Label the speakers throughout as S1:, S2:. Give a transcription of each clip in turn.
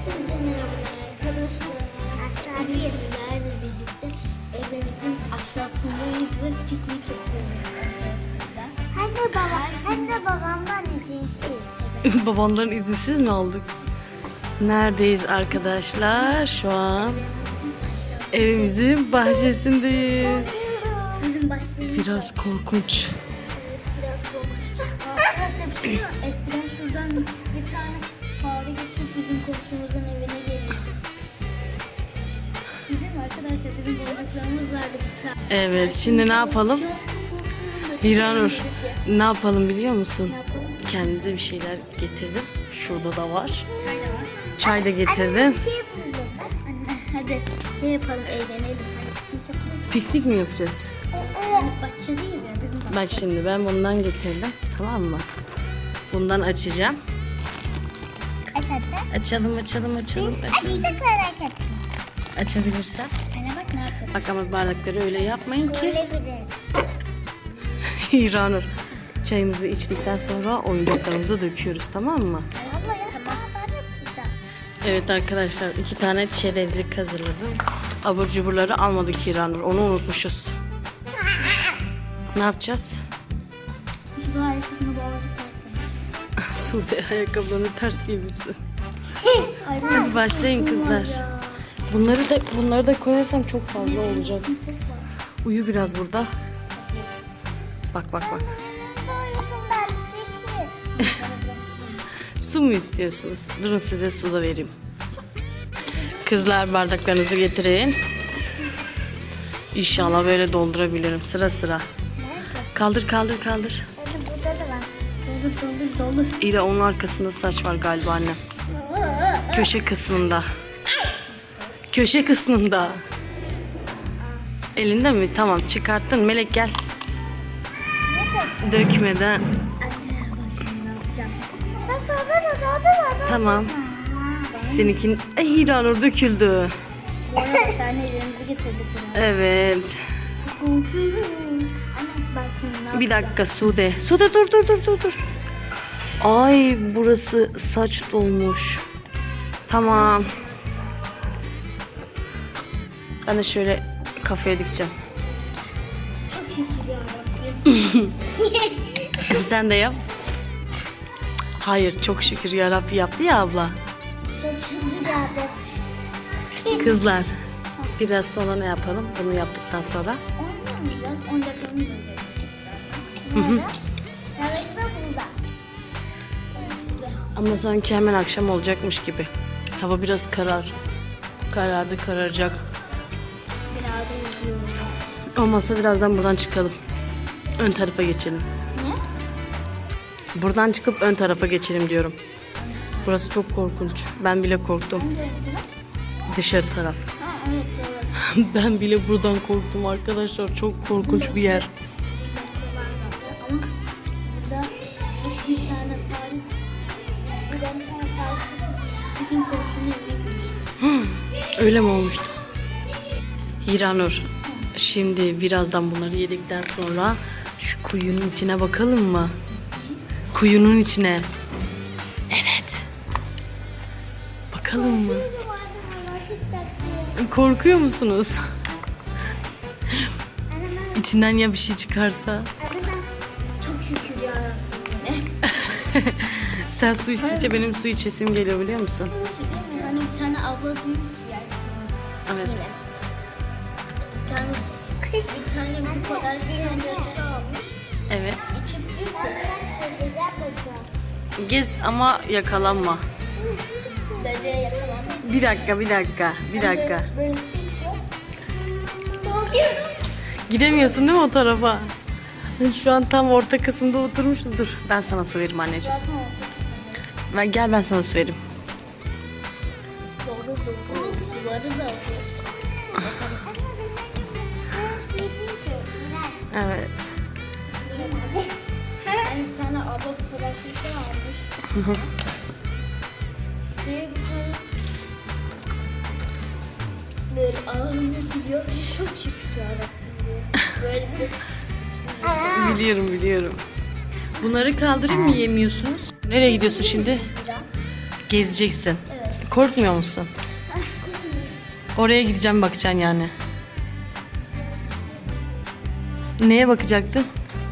S1: Hepinize merhabalar arkadaşlar. Sizlerle birlikte evimizin aşağısındayız ve piknik yapıyoruz aşağısında. Hem de babamdan izinsiz.
S2: Babanların izinsiz mi aldık? Neredeyiz arkadaşlar? Şu an evimizin bahçesindeyiz.
S1: Bizim bahçemiz
S2: Biraz korkunç.
S1: biraz korkunç. Arkadaşlar bir şey var. Eskiden şuradan bir tane fare geçip bizim komşumuzun evine gelirdi. Bir şey değil mi arkadaşlar? Bizim boncuklarımız vardı bir tane.
S2: Evet, şimdi ne yapalım? Hiranur, ne yapalım biliyor musun?
S1: Ne yapalım?
S2: Kendimize bir şeyler getirdim. Şurada da var.
S1: Çay da var.
S2: Çay da getirdim.
S1: Anne hadi şey yapalım, eğlenelim. Hadi
S2: Piknik mi yapacağız?
S1: bahçedeyiz ya bizim bahçe.
S2: Bak şimdi ben bundan getirdim. Tamam mı? Bundan açacağım. Açalım. Açalım.
S1: Merak ettim.
S2: Açabilirsem.
S1: Anne bak ne yapalım.
S2: Bak ama bardakları öyle yapmayın ki.
S1: Böyle bir.
S2: Hiranur, çayımızı içtikten sonra oyuncaklarımızı döküyoruz, tamam mı?
S1: Abla ya tamam. Ben yapacağım.
S2: Evet arkadaşlar, 2 tane çerezlik hazırladım. Abur cuburları almadık Hiranur, onu unutmuşuz. Ne yapacağız?
S1: Şu da ayakkabısını bağladık ters.
S2: Sude ayakkabılarını ters giymişsin.
S1: Hadi
S2: Hadi başlayın kızlar. Bunları da koyarsam çok fazla olacak. Uyu biraz burada. Bak. Su mu istiyorsunuz? Durun size su da vereyim. Kızlar bardaklarınızı getirin. İnşallah böyle doldurabilirim sıra sıra. Kaldır.
S1: Hadi burada da var. Doldur.
S2: İyi de onun arkasında saç var galiba annem. Köşe kısmında. Elinde mi? Tamam çıkarttın. Melek gel. Dökmeden.
S1: Anne bak şimdi ne yapacağım. Sen doldur.
S2: Tamam. Seninkin Hiranur döküldü.
S1: Bu arada bir tane elimizi getirdik buraya.
S2: Evet.
S1: Anne bak şimdi ne
S2: Bir dakika Sude. Sude dur. Ay burası saç dolmuş. Tamam. Ben de şöyle kafaya dikeceğim.
S1: Çok şükür ya.
S2: Sen de yap. Hayır çok şükür yarabbi yaptı ya abla.
S1: Çok şükür ya.
S2: Kızlar biraz sonra ne yapalım? Bunu yaptıktan sonra.
S1: Olmayacak. 10 dakikamız olacak. Evet de burada.
S2: Ama sanki hemen akşam olacakmış gibi. Hava biraz kararacak.
S1: Biraz da üzüyorum.
S2: Olmazsa birazdan buradan çıkalım. Ön tarafa geçelim.
S1: Ne?
S2: Buradan çıkıp ön tarafa geçelim diyorum. Burası çok korkunç. Ben bile korktum. Dışarı taraf.
S1: Ha evet doğru.
S2: Ben bile buradan korktum arkadaşlar. Çok korkunç bir yer.
S1: Ama burada bir tane fare buradan bir tane fare bizim komşunun evine girmişti.
S2: Öyle mi olmuştu? Hiranur. Şimdi birazdan bunları yedikten sonra şu kuyunun içine bakalım mı? Kuyunun içine. Evet. Bakalım mı? Korkuyor musunuz? İçinden ya bir şey çıkarsa?
S1: Çok şükür ya.
S2: Sen su içtikçe benim su içesim geliyor biliyor musun?
S1: Hani bir tane abla diyor ki
S2: Evet.
S1: yine. Bir tane bu kadar bir şey almış.
S2: Evet.
S1: İçip diyor ki
S2: Gez ama yakalanma.
S1: böceğe yakalandı.
S2: Bir dakika.
S1: Böyle su içiyor. Korkuyorum.
S2: Gidemiyorsun değil mi o tarafa? Şu an tam orta kısımda oturmuşuz. Dur ben sana su veririm anneciğim.
S1: Zaten oldu.
S2: Gel ben sana su vereyim.
S1: Doğru. Suları da alıyor.
S2: Evet.
S1: Yani bir tane abla bu kadar şişe almış. Suyu bir tane böyle ağzını siliyor. Çok şükür yarabbim diye. Böyle bir
S2: Biliyorum. Bunları kaldırayım mı yemiyorsunuz? Nereye gidiyorsun şimdi? Gezeceksin.
S1: Evet.
S2: Korkmuyor musun? Oraya gideceğim, bakacaksın yani. Neye bakacaktın?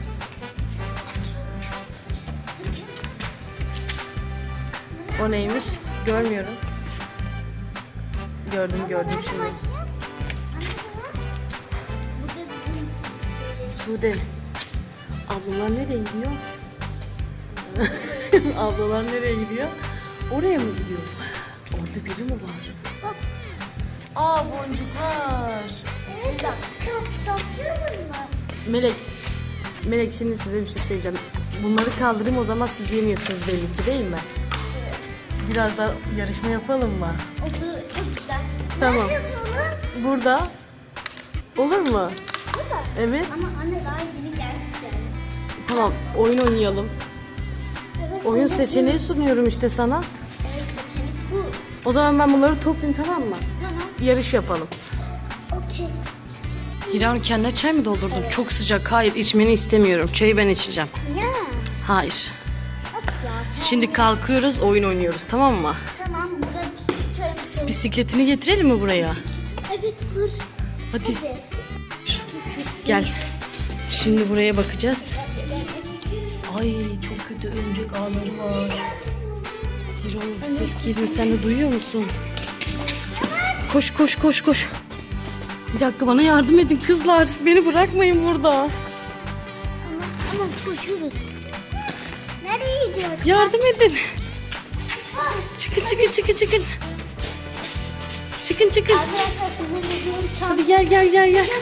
S2: O neymiş? Görmüyorum. Gördüm şimdi. Sude. Ablalar nereye gidiyor? Ablalar nereye gidiyor? Oraya mı gidiyor? Orada biri mi var? Aa, boncuklar. Melek şimdi size bir şey söyleyeceğim. Bunları kaldırayım, o zaman siz yemiyorsunuz belli ki, değil mi?
S1: Evet.
S2: Biraz da yarışma yapalım mı?
S1: Oldu, çok güzel.
S2: Tamam.
S1: Nerede yapalım?
S2: Burada. Olur mu?
S1: Burada.
S2: Evet.
S1: Ama anne daha yeni geldik yani.
S2: Tamam, oyun oynayalım.
S1: Evet,
S2: Oyun
S1: evet,
S2: seçeneği sunuyorum işte sana.
S1: evet, seçenek bu.
S2: O zaman ben bunları toplayayım, tamam mı?
S1: Tamam.
S2: Yarış yapalım.
S1: Okey.
S2: Hiran, kendine çay mı doldurdun? Çok sıcak. Hayır, içmeni istemiyorum. Çayı ben içeceğim.
S1: Ya.
S2: Hayır.
S1: Of ya.
S2: Şimdi kalkıyoruz, oyun oynuyoruz, tamam mı?
S1: Tamam, burada bir çay.
S2: Bisikletini getirelim mi buraya?
S1: Evet, olur.
S2: Hadi.
S1: Hadi.
S2: Gel. Şimdi buraya bakacağız. Ay, çok kötü örümcek ağları var. Hiran, bir ses geliyor. Sen de duyuyor musun? Koş koş koş koş. Bir dakika, bana yardım edin kızlar. Beni bırakmayın burada.
S1: Ama koşuyoruz. Nereye gidiyoruz?
S2: Yardım edin. Çıkın çıkın çıkın çıkın. Çıkın çıkın.
S1: Arkadaşlar sizin dediğim çam.
S2: Hadi gel gel gel gel.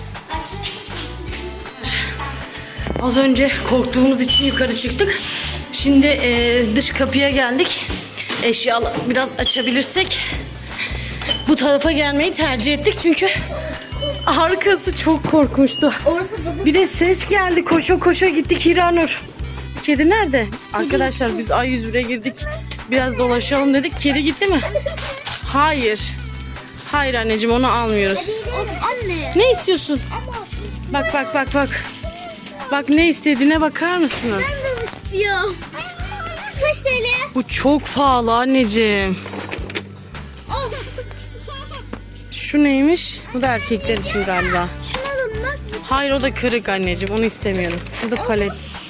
S2: Az önce korktuğumuz için yukarı çıktık. Şimdi dış kapıya geldik. Eşyaları biraz açabilirsek bu tarafa gelmeyi tercih ettik. Çünkü arkası çok korkmuştu.
S1: Orası bizim.
S2: Bir de ses geldi. Koşa koşa gittik Hiranur. Kedi nerede? Arkadaşlar biz A101'e girdik. Biraz dolaşalım dedik. Kedi gitti mi? Hayır. Hayır anneciğim, onu almıyoruz.
S1: Anne.
S2: Ne istiyorsun? Bak bak bak bak. Bak ne istediğine bakar mısınız?
S1: Ben de istiyorum. Kaç TL?
S2: Bu çok pahalı anneciğim.
S1: Of.
S2: Şu neymiş? Bu da erkekler için galiba.
S1: Şunu alın bak.
S2: Hayır, o da kırık anneciğim. Onu istemiyorum. Bu da palet.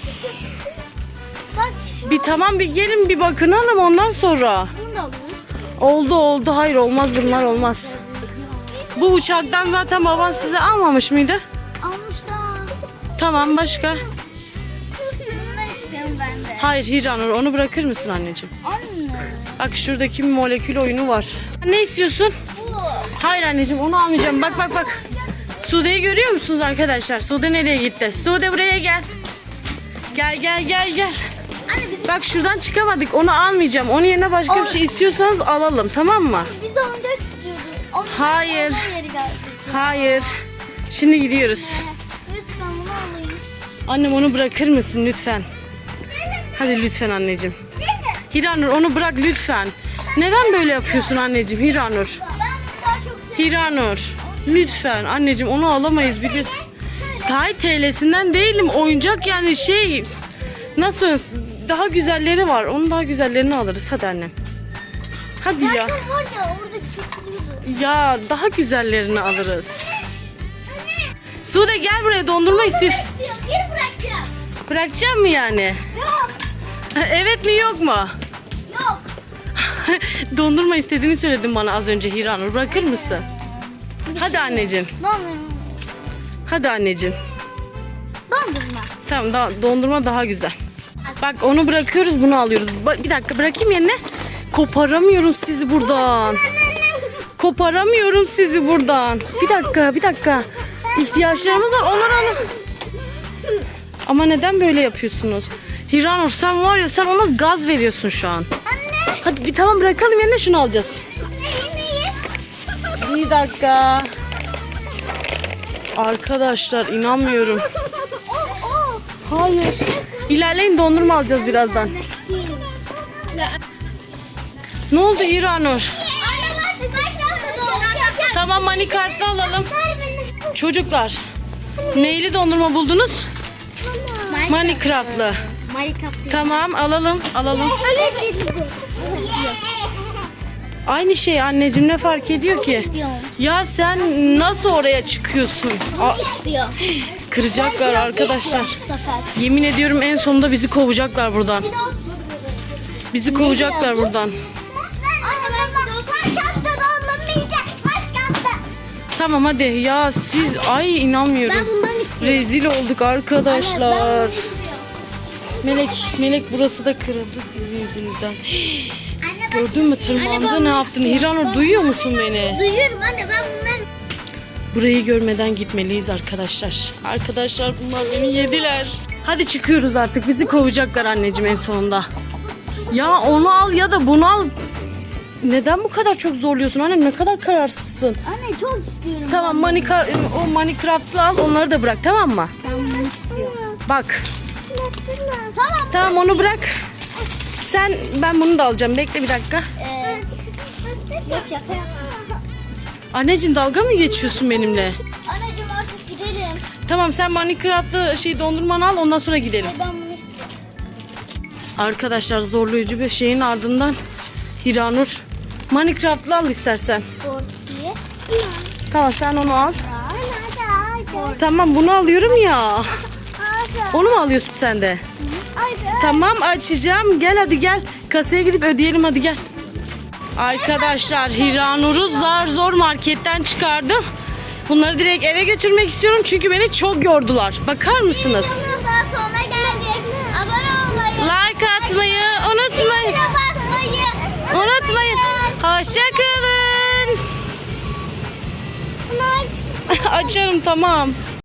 S1: Bak
S2: Bir tamam, bir gelin bir bakın hanım, ondan sonra.
S1: şunu da alırız.
S2: Oldu. Hayır, olmaz, bunlar olmaz. Bu uçaktan zaten baban size almamış mıydı?
S1: Almışlar.
S2: Tamam, başka?
S1: Bunları istiyorum ben de.
S2: Hayır Hiranur, onu bırakır mısın anneciğim?
S1: Anne.
S2: Bak şuradaki bir molekül oyunu var. Ne istiyorsun?
S1: Bu.
S2: Hayır anneciğim, onu almayacağım. Bak bak bak. Sude'yi görüyor musunuz arkadaşlar? Sude nereye gitti? Sude buraya gel. Gel gel gel gel.
S1: Anne biz
S2: Bak şuradan çıkamadık. Onu almayacağım. Onun yerine başka bir şey istiyorsanız alalım, tamam mı?
S1: biz oyuncak istiyorduk. Onun
S2: Hayır.
S1: onun yeri geldi.
S2: Hayır. Şimdi gidiyoruz.
S1: Lütfen bunu alayım.
S2: Annem, onu bırakır mısın lütfen? Hadi lütfen anneciğim. Hiranur, onu bırak lütfen. Neden böyle yapıyorsun anneciğim Hiranur?
S1: Ben bunu daha çok seviyorum.
S2: Hiranur. Lütfen anneciğim, onu alamayız biliyorsun. Tay TL'sinden değilim. Oyuncak yani şey. Nasıl? Daha güzelleri var. Onun daha güzellerini alırız. Hadi annem. Hadi ya.
S1: Zaten var ya oradaki satılıyordu.
S2: Ya daha güzellerini alırız. Sude gel buraya, dondurma istiyor.
S1: İstiyorum. Geri bırakacağım.
S2: Bırakacağım mı yani?
S1: Yok.
S2: Evet mi yok mu?
S1: Yok.
S2: Dondurma istediğini söyledin bana az önce Hiranur. Bırakır mısın? Hadi anneciğim.
S1: Dondurma.
S2: Hadi anneciğim.
S1: Dondurma.
S2: Tamam, dondurma daha güzel. Bak onu bırakıyoruz, bunu alıyoruz. Bir dakika, bırakayım yerine. Koparamıyorum sizi buradan. Koparamıyorum sizi buradan. Bir dakika. İhtiyaçlarımız var, onları alın. Ama neden böyle yapıyorsunuz? Hiranur, sen var ya, sen ona gaz veriyorsun şu an.
S1: Anne.
S2: Hadi bir tamam, bırakalım yerine, şunu alacağız.
S1: Neyi?
S2: Bir dakika. Arkadaşlar inanmıyorum. Hayır. İlerleyin, dondurma alacağız birazdan. Ne oldu Hiranur? Tamam, mani kartlı alalım. Çocuklar, neyli dondurma buldunuz? Minecraft'lı. Tamam, alalım. Aynı şey anneciğim, ne fark ediyor ki?
S1: İstiyorum.
S2: Ya sen nasıl oraya çıkıyorsun?
S1: İstiyor.
S2: Kıracaklar arkadaşlar.
S1: Bu sefer.
S2: Yemin ediyorum en sonunda bizi kovacaklar buradan.
S1: Bir de ot.
S2: Bizi kovacaklar
S1: yazıyor?
S2: buradan.
S1: Anne ben
S2: Tamam hadi ya siz, ay inanmıyorum.
S1: Ben bundan istiyorum.
S2: Rezil olduk arkadaşlar. Melek burası da kırıldı sizin yüzünüzden. Gördün mü tırmağında ne yaptın? Hiranur duyuyor musun beni?
S1: Duyuyorum anne, ben bunları...
S2: Burayı görmeden gitmeliyiz arkadaşlar. Arkadaşlar bunlar beni yediler. Hadi çıkıyoruz artık, bizi kovacaklar anneciğim en sonunda. Ya onu al ya da bunu al. Neden bu kadar çok zorluyorsun annem, ne kadar kararsızsın.
S1: Anne çok istiyorum.
S2: Tamam o Minecraft'lı al, onları da bırak, tamam mı?
S1: Ben bunu istiyorum.
S2: Bak.
S1: Tamam.
S2: Tamam onu bırak. Ben bunu da alacağım. Bekle bir dakika.
S1: Yok şaka yapma.
S2: Anneciğim dalga mı geçiyorsun benimle?
S1: Anneciğim artık gidelim.
S2: Tamam sen Minecraft'lı dondurmanı al, ondan sonra gidelim.
S1: Ben bunu istiyorum.
S2: Arkadaşlar zorlayıcı bir şeyin ardından Hiranur Minecraft'lı al istersen.
S1: Korkuyu.
S2: Tamam sen onu al. Tamam bunu alıyorum ya. Onu mu alıyorsun sen de? Tamam açacağım. Gel hadi gel. Kasaya gidip ödeyelim hadi gel. Arkadaşlar Hiranur'u zar zor marketten çıkardım. Bunları direkt eve götürmek istiyorum çünkü beni çok yordular. Bakar mısınız?
S1: Daha sonra geldik. Abone olmayı.
S2: Like atmayı unutmayın.
S1: Basmayı.
S2: Unutmayın. Hoşça kalın. Açarım tamam.